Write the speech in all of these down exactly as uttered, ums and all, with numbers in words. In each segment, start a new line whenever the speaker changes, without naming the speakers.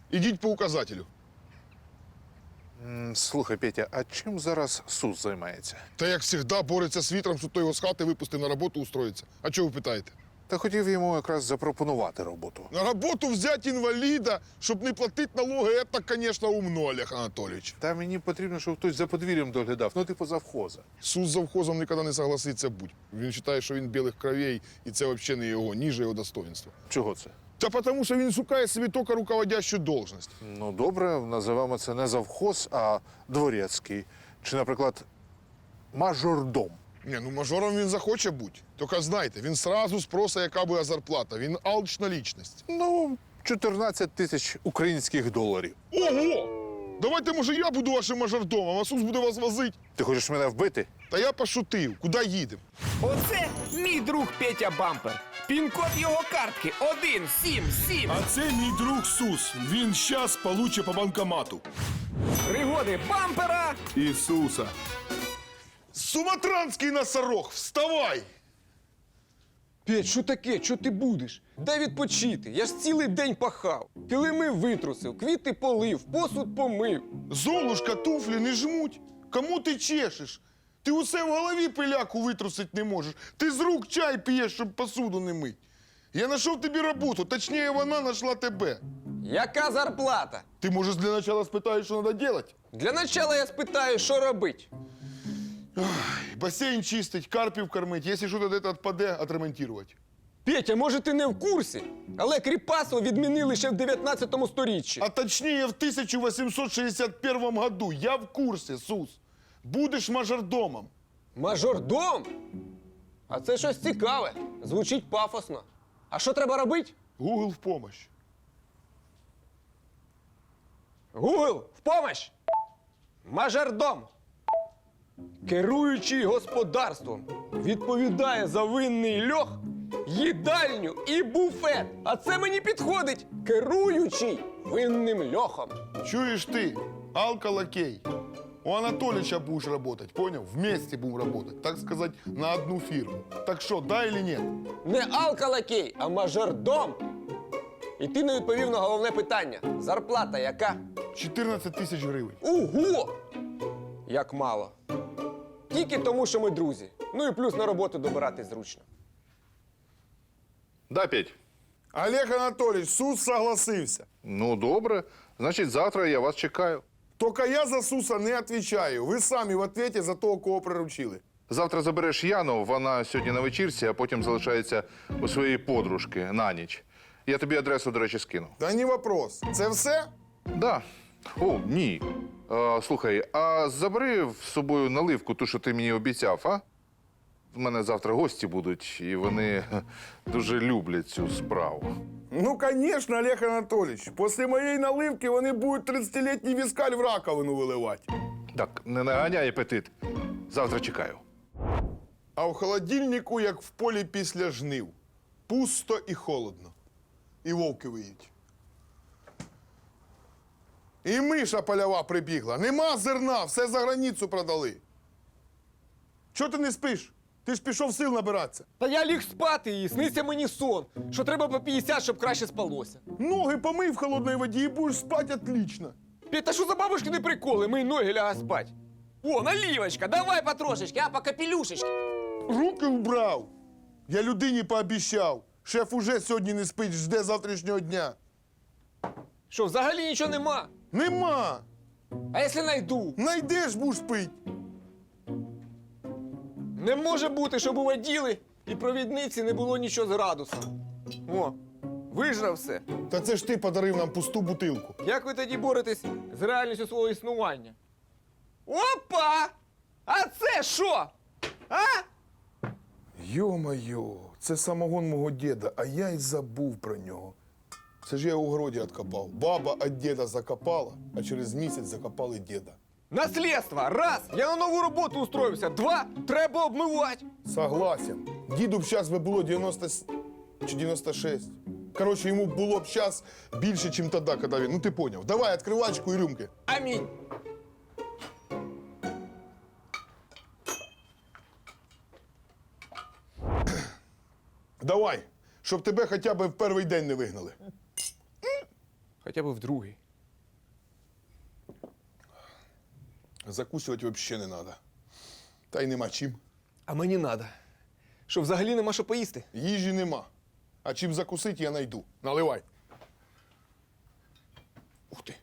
Ідіть по указателю.
М, Слухай, Петя, а чим зараз СУС займається?
Та як завжди бореться з вітром, щоб той його з хати випустив на роботу устроїться. А чого ви питаєте?
Та хотів йому якраз запропонувати роботу.
На роботу взяти інваліда, щоб не платити налоги, це, звісно, умно, Олег Анатолійович.
Та мені потрібно, щоб хтось за подвір'ям доглядав, ну типу завхоза.
Сус з завхозом ніколи не согласиться бути. Він вважає, що він білих кровей, і це взагалі не його, ніже його достоинства.
Чого це?
Та тому, що він шукає собі тільки руководящу должність.
Ну, добре, називаємо це не завхоз, а дворецький. Чи, наприклад, мажордом.
Ні, ну мажором він захоче бути. Тільки знайте, він сразу спросить, яка буде зарплата. Він алчна лічність.
Ну, чотирнадцять тисяч українських доларів.
Ого! Давайте, може, я буду вашим мажордомом, а Сус буде вас возити.
Ти хочеш мене вбити?
Та я пошутив. Куди їдемо?
Оце мій друг Петя Бампер. Пін-код його картки один сім сім.
А це мій друг Сус. Він щас получить по банкомату.
Пригоди бампера.
Ісуса.
Суматранський носорог, вставай!
Петь, що таке? Що ти будеш? Дай відпочити. Я ж цілий день пахав. Килими витрусив, квіти полив, посуд помив.
Золушка, туфлі не жмуть. Кому ти чешеш? Ти усе в голові пиляку витрусить не можеш. Ти з рук чай п'єш, щоб посуду не мить. Я знайшов тобі роботу, точніше, вона знайшла тебе.
Яка зарплата?
Ти, може, для початку спитаєш, що треба робити?
Для начала я спитаю, що робить.
Басейн чистить, карпів кормить, якщо щось десь відпаде, відремонтувати.
Петя, може ти не в курсі? Але Кріпасов відмінили ще в дев'ятнадцятому сторіччі.
А точніше, в тисяча вісімсот шістдесят першому году. Я в курсі, Сус. Будеш мажордомом.
Мажордом? А це щось цікаве. Звучить пафосно. А що треба робити?
Google в помощь.
Гугл, в помощь! Мажордом! Керуючий господарством відповідає за винний льох, їдальню і буфет. А це мені підходить. Керуючий винним льохом.
Чуєш ти, алкалакей? У Анатолича будешь работать, понял? Вместе будем работать, так сказать, на одну фирму. Так что, да или нет?
Не алкалакей, а мажордом. І ти не відповів на головне питання. Зарплата яка?
чотирнадцять тисяч гривень.
Ого! Як мало. Тільки тому, що ми друзі. Ну і плюс на роботу добиратись зручно.
Да, Петь.
Олег Анатольевич, Сус согласився.
Ну, добре. Значить, завтра я вас чекаю.
Только я за Суса не отвечаю. Ви самі в ответе за того, кого приручили.
Завтра забереш Яну, вона сьогодні на вечірці, а потім залишається у своєї подружки на ніч. Я тобі адресу, до речі, скину.
Та не вопрос. Це все?
Да. О, ні. А, слухай, а забери з собою наливку, ту, що ти мені обіцяв, а? У мене завтра гості будуть, і вони дуже люблять цю справу.
Ну, конечно, Олег Анатольевич. Після моєї наливки вони будуть тридцятилітній віскаль в раковину виливати.
Так, не наганяй апетит. Завтра чекаю.
А в холодильнику, як в полі після жнив. Пусто і холодно. І вовки виють. І миша польова прибігла. Нема зерна, все за границю продали. Чого ти не спиш? Ти ж пішов сил набиратися.
Та я ліг спати і сниться мені сон, що треба по п'ятдесят, щоб краще спалося.
Ноги помий в холодній воді і будеш спати отлично.
Петь, та що за бабушкини приколи? Мої ноги ляга спать. О, наливочка, давай потрошечки, а по капелюшечки.
Руки вбрав. Я людині пообіщав. Шеф уже сьогодні не спить, жде завтрашнього дня.
Що, взагалі нічого нема?
Нема.
А якщо найду?
Найдеш, будеш пить.
Не може бути, щоб у воділи і провідниці не було нічого з градусом. О, вижрав все.
Та це ж ти подарив нам пусту бутилку.
Як ви тоді боретесь з реальністю свого існування? Опа! А це що? А?
Йо-моє, це самогон мого діда, а я й забув про нього. Це ж я у городі відкопав. Баба від діда закопала, а через місяць закопали діда.
Наслідство. Раз. Я на нову роботу устроївся. Два. Треба обмивати.
Согласен. Діду б зараз би було дев'яносто с- чи дев'яносто шість. Коротше, йому було б зараз більше, ніж тоді, коли він. Ну ти поняв. Давай, відкривачку і рюмки.
Амінь.
Давай, щоб тебе хоча б в перший день не вигнали.
Хоча б в другий.
Закусувати взагалі не треба. Та й нема чим.
А мені надо. Що взагалі нема що поїсти.
Їжі нема. А чим закусити, я найду. Наливай. Ух ти.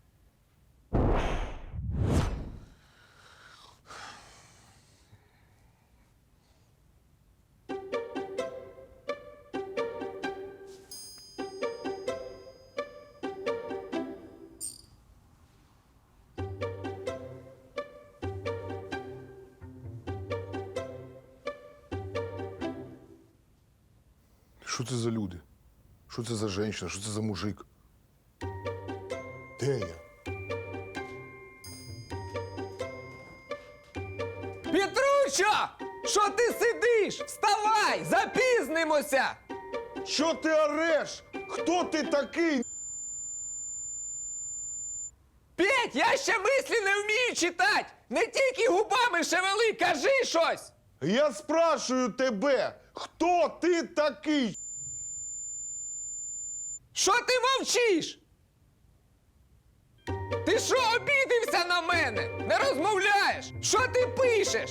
Що це за люди? Що це за жінка? Що це за мужик? Де я?
Петручо! Що ти сидиш? Вставай! Запізнимося!
Що ти ореш? Хто ти такий?
Петь, я ще мислі не вмію читати! Не тільки губами шевели, кажи щось!
Я спрашую тебе, хто ти такий?
Що ти мовчиш? Ти що, обідився на мене? Не розмовляєш? Що ти пишеш?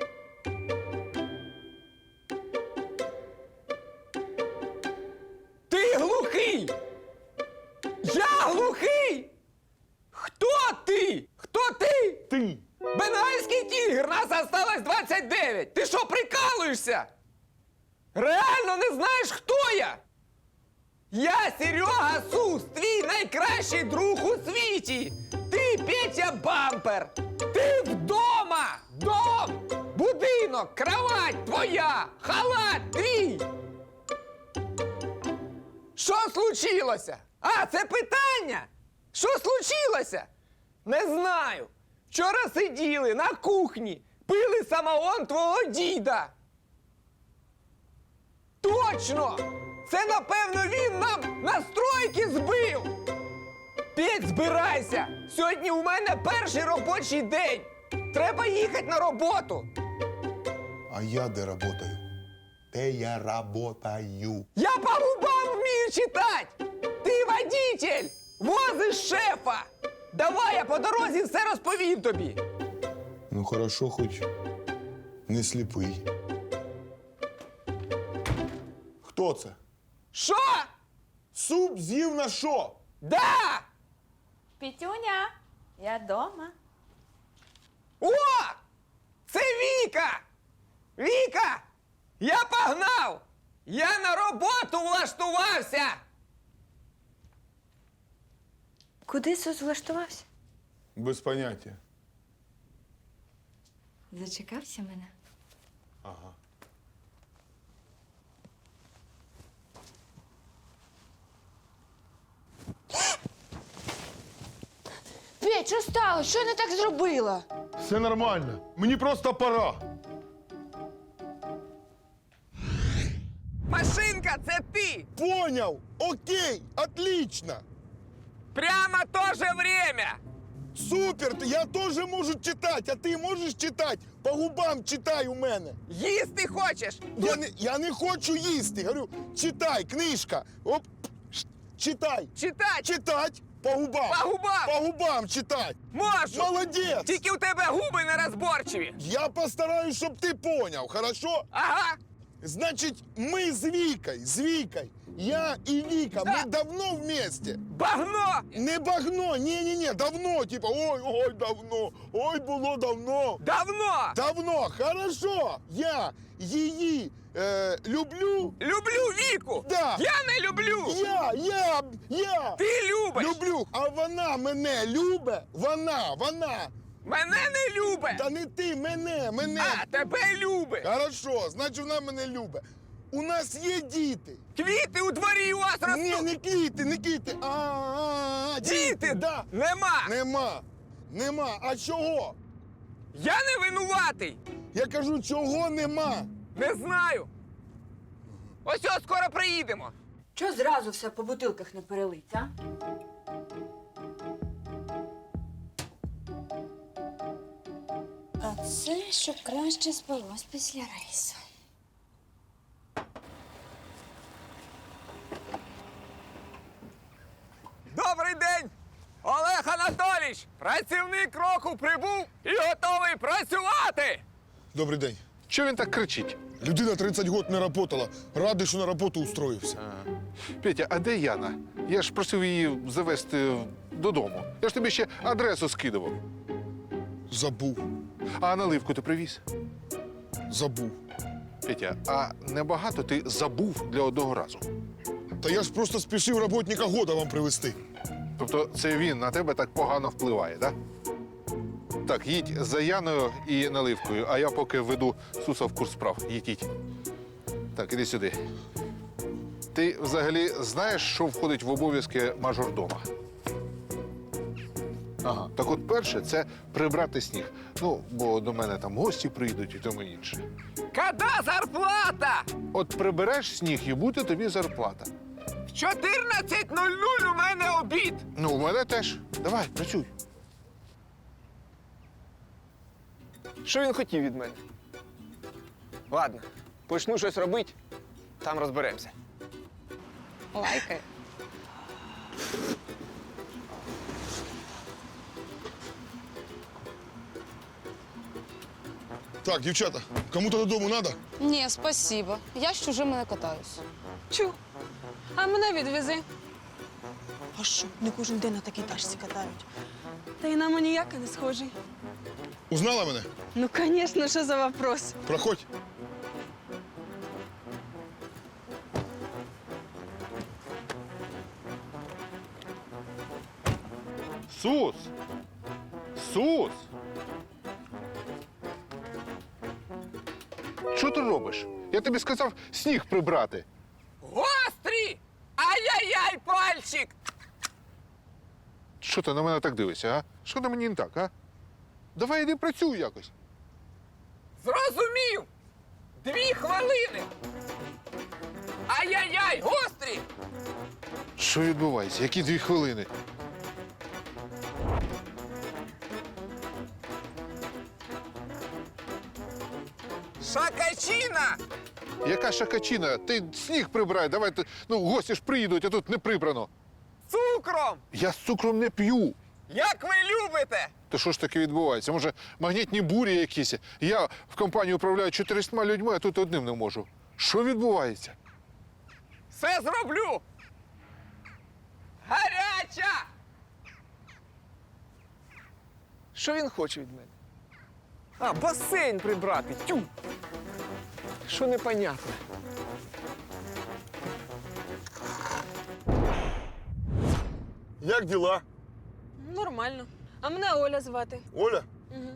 Ти глухий! Я глухий! Хто ти? Хто ти?
Ти.
Бенгальський тігр, нас осталось двадцять дев'ять! Ти що, прикалуєшся? Реально не знаєш, хто я? Я Серега Сус, твій найкращий друг у світі! Ти Петя Бампер! Ти вдома! Дом! Будинок, кровать твоя! Халат твій! Що случилося? А, це питання? Що случилося? Не знаю. Вчора сиділи на кухні, пили самогон твого діда. Точно! Це, напевно, він нам настройки збив! Петь, збирайся! Сьогодні у мене перший робочий день! Треба їхати на роботу!
А я де работаю? Де я работаю?
Я по губам вмію читати! Ти водитель! Возиш шефа! Давай я по дорозі все розповім тобі!
Ну хорошо, хоч не сліпий. Хто це?
Що?
Суп з'їв на що?
Да!
Петюня, я дома.
О! Це Віка! Віка! Я погнав! Я на роботу влаштувався!
Куди Сус влаштувався?
Без поняття.
Зачекався мене.
Ага.
Петь, що сталося? Що я не так зробила?
Все нормально. Мені просто пора.
Машинка, це ти!
Поняв. Окей. Отлично.
Прямо то же время!
Супер. Я теж можу читати, а ти можеш читати? По губам читай у мене.
Їсти хочеш?
Я не, я не хочу їсти. Говорю, читай, книжка. Оп. ш- Читай.
Читать!
Читать. По губам.
По губам!
По губам читать.
Можу!
Молодець.
Тільки у тебе губи нерозборчиві!
Я постараюсь, щоб ти поняв, хорошо?
Ага!
Значить, ми з Вікою, з Вікою, я і Віка,
Да.
ми давно вместе.
Багно!
Не багно, ні-ні-ні, давно, типа, ой, ой, давно, ой, було давно.
Давно!
Давно, хорошо, я її е, люблю,
Люблю Віку!
Да.
Я не люблю!
я, я, я
Ти любиш!
люблю, а вона мене любить, вона, вона,
Мене не любить!
та не ти, мене, мене.
А, тебе любить!
Хорошо, значить вона мене любить. У нас є діти.
Квіти у дворі у вас
Ні,
ростуть!
не квіти, не квіти. А, а, а,
Діти!
Да.
Нема!
Нема. Нема. А чого?
Я не винуватий!
Я кажу, чого нема?
Не знаю! Ось ось скоро приїдемо!
Чого зразу все по бутилках не перелить, а? А це, щоб краще спалось після рейсу.
Добрий Добрий день! Олег Анатолійович! Працівник року прибув і готовий працювати!
Добрий день.
Чого він так кричить?
Людина тридцять років не працювала. Радий, що на роботу устроївся.
Петя, а де Яна? Я ж просив її завести додому. Я ж тобі ще адресу скидував.
Забув.
А наливку ти привіз?
Забув.
Петя, а небагато ти забув для одного разу.
Та я ж просто спішив роботника года вам привезти.
Тобто це він на тебе так погано впливає, так? Так, їдь за Яною і наливкою, а я поки веду Суса в курс справ. Їдіть. Так, іди сюди. Ти взагалі знаєш, що входить в обов'язки мажордома? Ага. Так от перше, це прибрати сніг. Ну, бо до мене там гості прийдуть і тому інше.
Когда зарплата?
От прибереш сніг і буде тобі зарплата.
В чотирнадцять нуль нуль у мене обід!
Ну, у мене теж. Давай, працюй.
Що він хотів від мене? Ладно, почну щось робити, там розберемося.
Лайкає.
Так, дівчата, кому-то додому треба?
Ні, спасибо. Я з чужими не катаюсь.
Чу. А мене відвези. А що, не кожен день на такій тачці катають. Та й на маніяка не схожий.
Узнала мене?
Ну, звісно, що за вопрос.
Проходь.
Сус! Сус! Що ти робиш? Я тобі сказав сніг прибрати.
Гострі! Ай-яй-яй, пальчик!
Що ти на мене так дивишся, а? Що на мені не так, а? Давай іди працюй якось.
Зрозумів! Дві хвилини! Ай-яй-яй, гострі!
Що відбувається? Які дві хвилини?
Шакачина!
Яка шакачина? Ти сніг прибирай, давай. ти- Ну, гості ж приїдуть, а тут не прибрано.
Цукром!
Я з цукром не п'ю.
Як ви любите!
То що ж таке відбувається? Може, магнітні бурі якісь? Я в компанії управляю чотирьома людьми, а тут одним не можу. Що відбувається?
Все зроблю! Гаряча! Що він хоче від мене? А, басейн прибрати. Тю! Що непонятно?
Як діла?
Нормально. А мене Оля звати.
Оля?
Угу.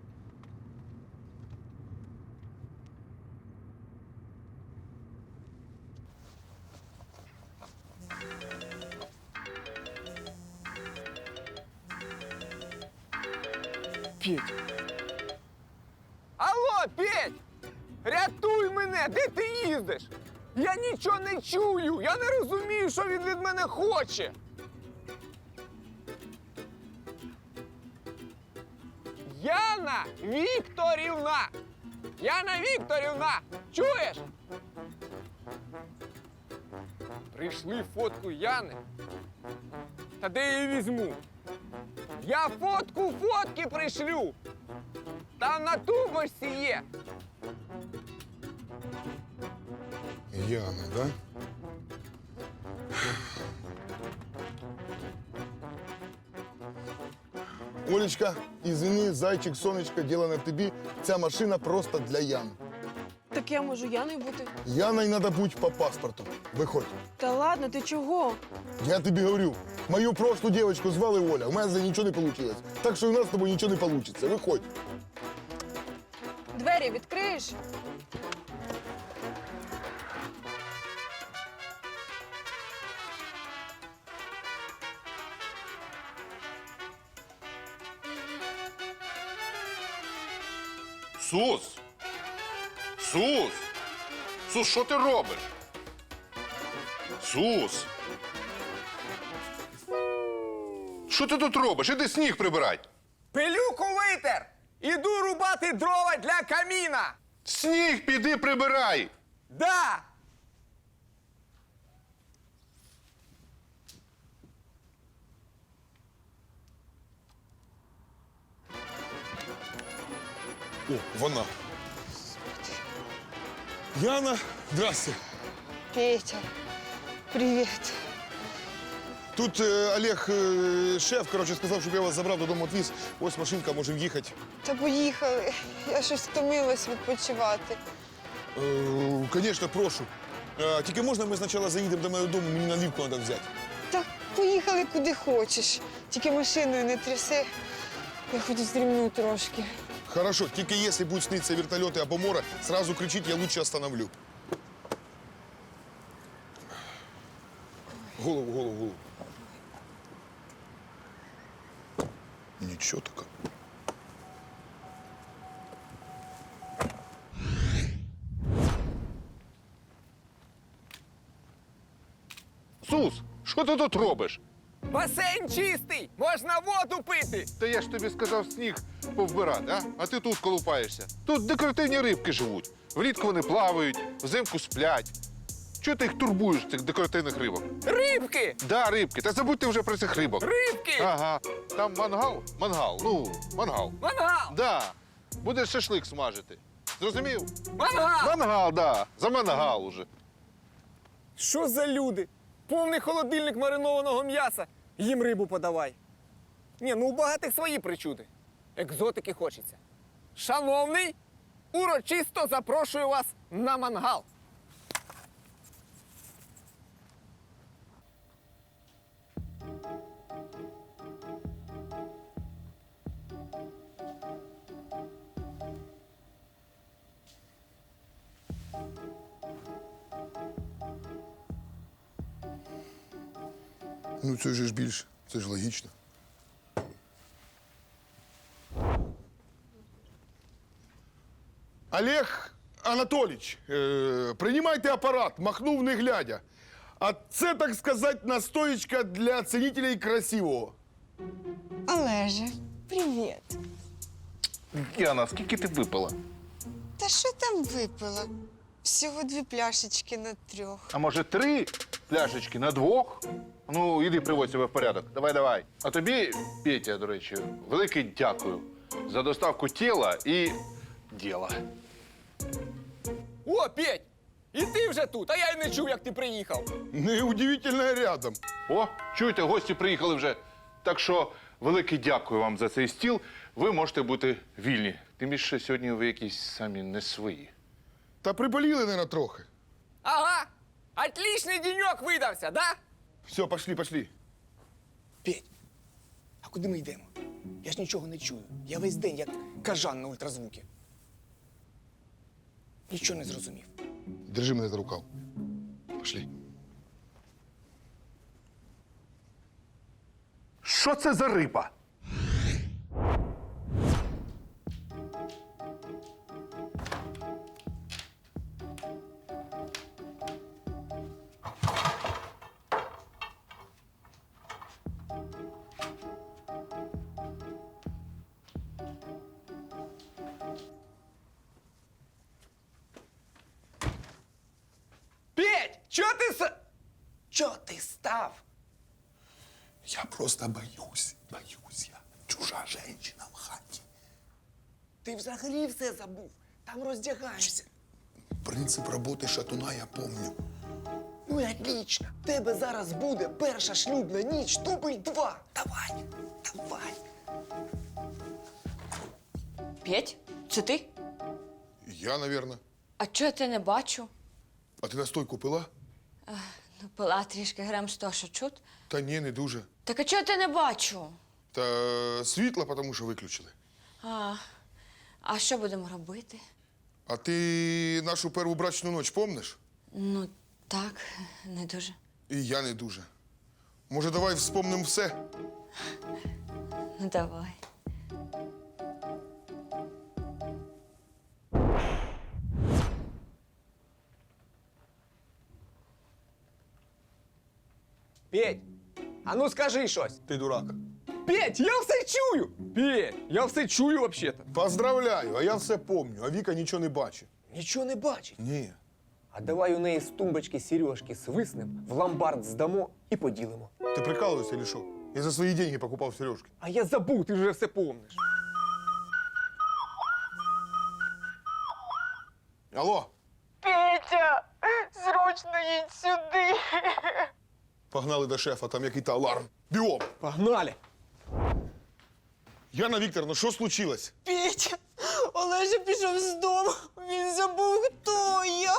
Петь. Алло, Петь! Рятуй мене! Де ти їздиш? Я нічого не чую! Я не розумію, що він від мене хоче! Яна Вікторівна! Яна Вікторівна! Чуєш? Прийшли фотку Яни. Та де я її візьму? Я фотку фотки пришлю! Там на тумбочці є!
Яна, да? Олечка, извини, зайчик, сонечко, діло на тобі. Ця машина просто для Яни.
Так я можу Яною бути.
Яною треба бути по паспорту. Виходь.
Та ладно, ти чого?
Я тобі говорю, мою прошлу девочку звали Оля, у мене за нічого не вийшло. Так що у нас з тобою нічого не вийде. Виходь.
Двері відкриєш?
Сус! Сус! Сус, що ти робиш? Сус! Що ти тут робиш? Іди сніг прибирай!
Пилюку витер! Іду рубати дрова для каміна!
Сніг піди прибирай!
Да!
О, вона. Яна, здрасте.
Петя, привіт.
Тут е, Олег, е, шеф, коротше, сказав, щоб я вас забрав додому відвіз. Ось машинка, можемо їхати.
Та поїхали. Я щось втомилась відпочивати.
Е, Звісно, прошу. Е, тільки можна ми спочатку заїдемо до моєго дому, мені наливку треба взяти.
Так поїхали куди хочеш. Тільки машиною не тряси. Я хочу здрімну трошки.
Хорошо, тільки якщо будуть снитися вертольоти або море, сразу кричіть, я лучше остановлю. Голову, голову, голову. Нічого таке.
Сус, що ти тут робиш?
Басейн чистий! Можна воду пити!
Та я ж тобі сказав сніг повбирати, а? А ти тут колупаєшся. Тут декоративні рибки живуть. Влітку вони плавають, взимку сплять. Чого ти їх турбуєш, цих декоративних рибок?
Рибки!
Да, рибки, та забудьте вже про цих рибок.
Рибки!
Ага. Там мангал? Мангал. Ну, мангал.
Мангал!
Да. Будеш шашлик смажити. Зрозумів?
Мангал!
Мангал, да. За мангал уже.
Що за люди? Повний холодильник маринованого м'яса. Їм рибу подавай. Ні, ну у багатих свої причуди. Екзотики хочеться. Шановний, урочисто запрошую вас на мангал.
Ну, це ж ж більше, це ж логічно. Олег Анатолійович, е, приймайте апарат, махнув не глядя. А це, так сказати, настоечка для цінителей красивого.
Олеже, привіт.
Яна, скільки ти випила?
Та що там випила? Всього дві пляшечки на трьох.
А може три пляшечки на двох? Ну, іди приводь себе в порядок. Давай, давай. А тобі, Петя, до речі, велике дякую за доставку тіла і діла.
О, Петь! І ти вже тут, а я й не чув, як ти приїхав.
Неудивительно рядом.
О, чуєте, гості приїхали вже. Так що велике дякую вам за цей стіл. Ви можете бути вільні. Тим більше сьогодні ви якісь самі не свої.
Та приболіли, не на трохи.
Ага! Отличний денек видався, да?
Все, пошли, пошли.
Петь, а куди ми йдемо? Я ж нічого не чую. Я весь день як кажан на ультразвуки. Нічого не зрозумів.
Держи мене за рукав. Пошли.
Що це за риба?
Петь, чого ти с... Чого ти став?
Я просто боюсь, боюсь я. Чужа женщина в хаті.
Ти взагалі все забув. Там роздягаєшся.
Принцип роботи шатуна я помню.
Ну і отлично. В тебе зараз буде перша шлюбна ніч, дубль два. Давай, давай.
Петь, це ти?
Я, навірно.
А чого я тебе не бачу?
А ти настойку пила?
Ну, пила трішки грам сто, що чут.
Та ні, не дуже.
Так а чого я тебе не бачу?
Та світло, тому що виключили.
А, а що будемо робити?
А ти нашу першу брачну ніч помниш?
Ну, так, не дуже.
І я не дуже. Може, давай вспомнимо все?
Ну, давай.
Петь, а ну скажи щось.
Ти дурак.
Петь, я все чую. Петь, я все чую взагалі-то.
Поздравляю, а я все помню, а Віка нічого не бачить.
Нічого не бачить.
Ні.
А давай у неї з тумбочки сережки свиснем, в ломбард здамо і поділимо.
Ти прикалуєшся чи що? Я за свої деньги покупав сережки.
А я забув, ти вже все помниш.
Алло,
Петя, срочно їдь сюди.
погнали до шефа, там який-то аларм. Бігом.
Погнали!
Яна Вікторовна, що случилось?
Петя, Олежа пішов з дому. Він забув, хто я.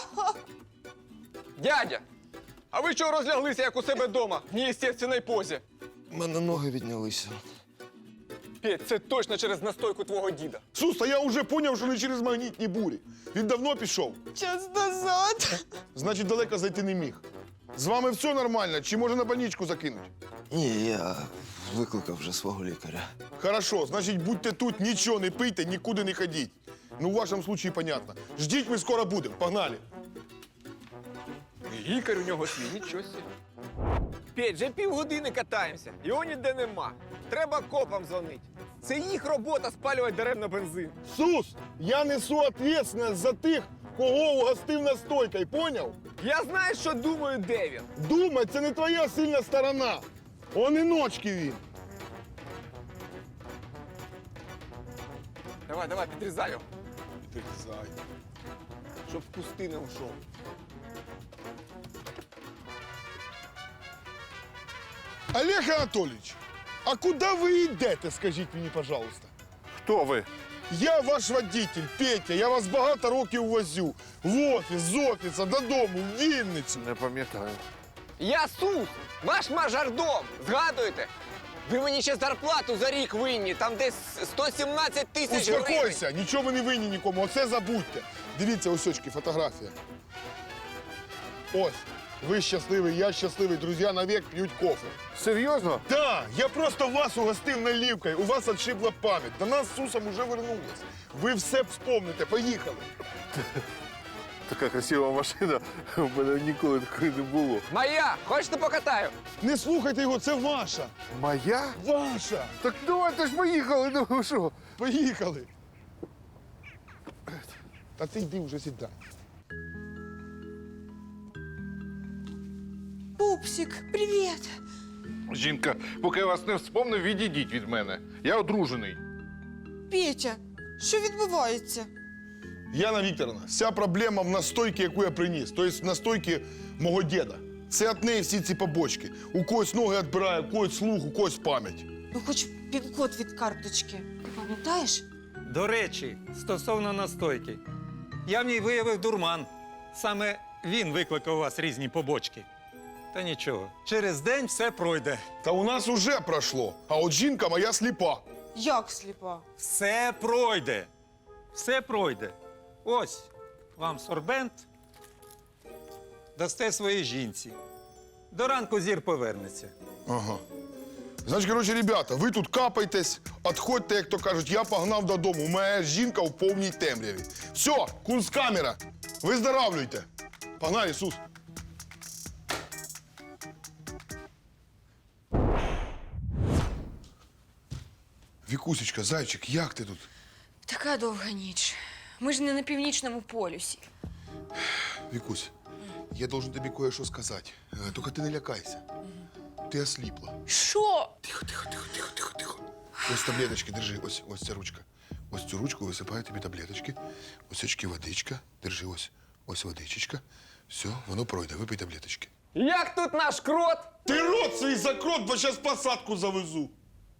Дядя! А ви чого розляглися, як у себе вдома, в неестественній позі?
У мене ноги віднялися.
Петь, це точно через настойку твого діда.
Сус, та я вже поняв, що не через магнітні бурі. Він давно пішов.
Час назад.
Значить, далеко зайти не міг. З вами все нормально, чи може на больничку закинуть?
Ні, я викликав вже свого лікаря.
Хорошо, значить, будьте тут, нічого не пийте, нікуди не ходіть. Ну, в вашому случае понятно. Ждіть, ми скоро будемо. Погнали.
Лікар у нього свій, нічого собі. Петь, вже півгодини катаємося, його ніде нема. Треба копам дзвонити. Це їх робота спалювати даремно бензин.
Сус, я несу ответственность за тих, кого угостив настойкою, поняв?
Я знаю, що думаю, де він.
Думать, це не твоя сильна сторона. Он і ночки він.
Давай, давай, підрізай його,
Підрізай.
щоб в кусти не ушов.
Олег Анатольевич, а куди ви йдете, скажіть мені, пожалуйста?
Хто ви?
Я ваш водитель, Петя, я вас багато років возю. В офіс, з офіса, додому, в Вінницю.
Не пам'ятаю.
Я Сус, ваш мажордом, згадуєте? Ви мені ще зарплату за рік винні, там десь сто сімнадцять тисяч гривень.
Успокойся, нічого ви не винні нікому, оце забудьте. Дивіться, ось очки, фотографія. Ось, ви щасливий, я щасливий, друзі навік п'ють кофе.
Серйозно?
Да, я просто вас угостив наливкою, у вас отшибла пам'ять. До нас з Сусом уже вернулись. Ви все вспомните, поїхали.
Така красива машина. У мене ніколи такої не було.
Моя, хочете покатаю?
Не слухайте його, це ваша.
Моя?
Ваша.
Так давайте ж поїхали, ну що?
Поїхали. Та ти йди вже сідай.
Пупсик, привіт.
Жінка, поки я вас не вспомнив, відійдіть від мене. Я одружений.
Петя, що відбувається?
Яна Вікторовна, вся проблема в настойці, яку я приніс. Тобто в настойці мого діда. Це від неї всі ці побочки. У когось ноги відбирає, у когось слух, у когось пам'ять.
Ну, хоч пін-код від карточки. Ти пам'ятаєш?
До речі, стосовно настойки. Я в ній виявив дурман. Саме він викликав у вас різні побочки. Та нічого, через день все пройде.
Та у нас уже пройшло, а от жінка моя сліпа.
Як сліпа?
Все пройде. Все пройде. Ось вам сорбент. Дасте своїй жінці. До ранку зір повернеться.
Ага. Значить, коротше, ребята, ви тут капайтесь, відходьте, як то кажуть, я погнав додому. У мене жінка в повній темряві. Все, кунсткамера, виздоравлюйте. Погнали, Ісус. Вікусечка, зайчик, як ти тут?
Така довга ніч. Ми ж не на північному полюсі.
Вікусь, я должен тобі кое-що сказати. Е, Тільки ти не лякайся. Ти осліпла.
Що?
Тихо, тихо, тихо, тихо, тихо, тихо. Ось таблеточки, держи, ось, ось ця ручка. Ось цю ручку висипаю тобі таблеточки. Ось очки водичка. Держи, ось, ось водичечка. Все, воно пройде, випий таблеточки.
Як тут наш крот?
Ти рот свій закрот, бо зараз посадку завезу.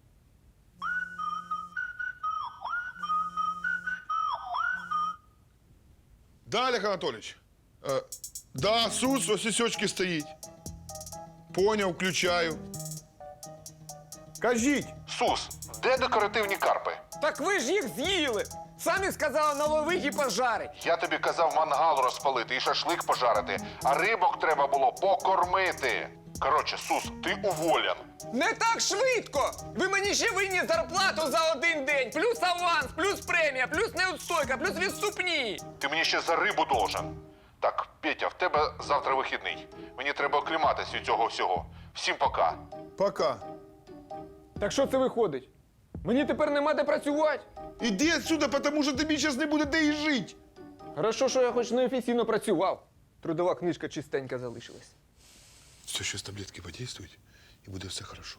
Да, Олег Анатолійович? Е, да, Сус, ось і сьочки стоїть. Поняв, включаю. Кажіть.
Сус, де декоративні карпи?
Так ви ж їх з'їли. Самі сказали наловить і пожарить.
Я тобі казав мангал розпалити і шашлик пожарити, а рибок треба було покормити. Коротше, Сус, ти уволен.
Не так швидко! Ви мені ще винні зарплату за один день, плюс аванс, плюс премія, плюс неустойка, плюс відступні.
Ти мені ще за рибу должен. Так, Петя, в тебе завтра вихідний. Мені треба окліматись від цього всього. Всім пока.
Пока.
Так що це виходить? Мені тепер нема де працювати.
Іди отсюда, тому що тобі зараз не буде де і жити.
Хорошо, що я хоч неофіційно працював. Трудова книжка чистенька залишилась.
Все, зараз таблетки подействують, і буде все хорошо.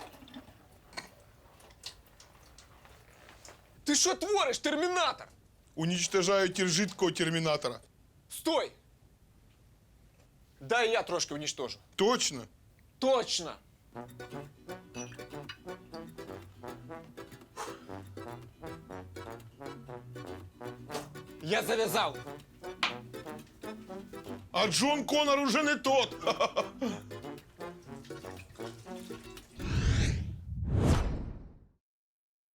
Ти що твориш, термінатор?
уничтожаю тір жидкого термінатора.
Стой! Дай я трошки уничтожу.
Точно?
Точно! Я зав'язав.
А Джон Конор уже не тот.